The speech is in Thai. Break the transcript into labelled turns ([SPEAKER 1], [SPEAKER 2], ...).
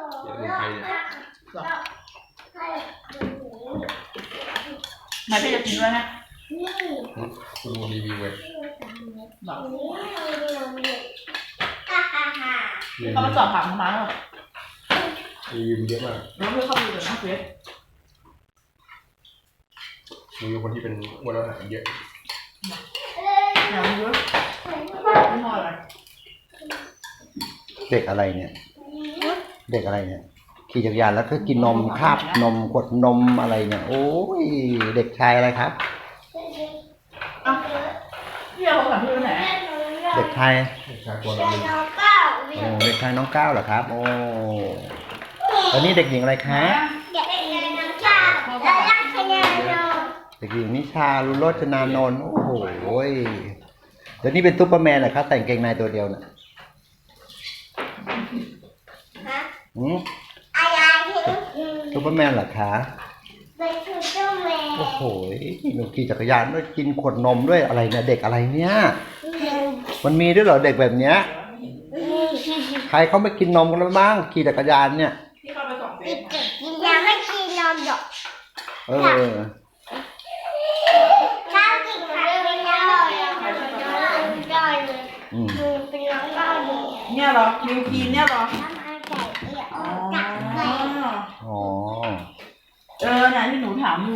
[SPEAKER 1] เมืองไทยเนี่ย
[SPEAKER 2] หรอไม่พี่จะกินด้วยนะ
[SPEAKER 1] คุณดูรีวิวเว้ย
[SPEAKER 2] หรอ
[SPEAKER 1] รี
[SPEAKER 2] เขามาสอบถามทำไมหรอ
[SPEAKER 1] วิวเยอะมาก
[SPEAKER 2] แล้วพี่เขาดูแต่หน้าเฟซ
[SPEAKER 1] รีวิวคนที่เป็นอ้วนแล้วหายเยอะ
[SPEAKER 2] แนวเยอะไม่พออะไร
[SPEAKER 3] เด็กอะไรเนี่ย เด็กอะไรเนี่ยขี่จักรยานแล้วก็กินนมคาบนมขวดนมอะไรเนี่ยโอ้ยเด็กชายอะไรครับ
[SPEAKER 2] อ่ะพี่เอาโทรศัพท์พี่ไปไหน
[SPEAKER 3] เด็กชาย
[SPEAKER 1] ชาตัวเราเลย
[SPEAKER 3] โอ้เด็กชายน้องก้าวเหรอครับ โอ้ตอนนี้เด็กหญิงอะไรคะเด็กหญิงนิชาลุโรจนานนท์โอ้โหเดี๋ยวนี้เป็นซุปเปอร์แมนเหรอครับแต่งเกงในตัวเดียวน่ะซุปเปอร์แมนเหรอคะโอ้โหหนูขี่จักรยานด้วยกินขวดนมด้วยอะไรเนี่ยเด็กอะไรเนี่ยมันมีด้วยเหรอเด็กแบบเนี้ยใครเขาไม่กินนมกันแล้วบ้างขี่จักรยานเนี่ย
[SPEAKER 2] พี่เข้าไปส่องเฟซ
[SPEAKER 4] ยังไม่กินนมหรอก
[SPEAKER 3] เออ
[SPEAKER 4] ข้าวกินผักเป็นน้ำได้เลย
[SPEAKER 3] อืม
[SPEAKER 4] เป็นน้ำได้เลย
[SPEAKER 2] เนี่ยเหรอมิวกีนเนี่ยเหรอ
[SPEAKER 4] น้ำมันไก่เอี่ยว
[SPEAKER 2] อ๋อ
[SPEAKER 4] จับไก่
[SPEAKER 3] อ๋อ
[SPEAKER 2] เนี่ยที่หนูถามอยู่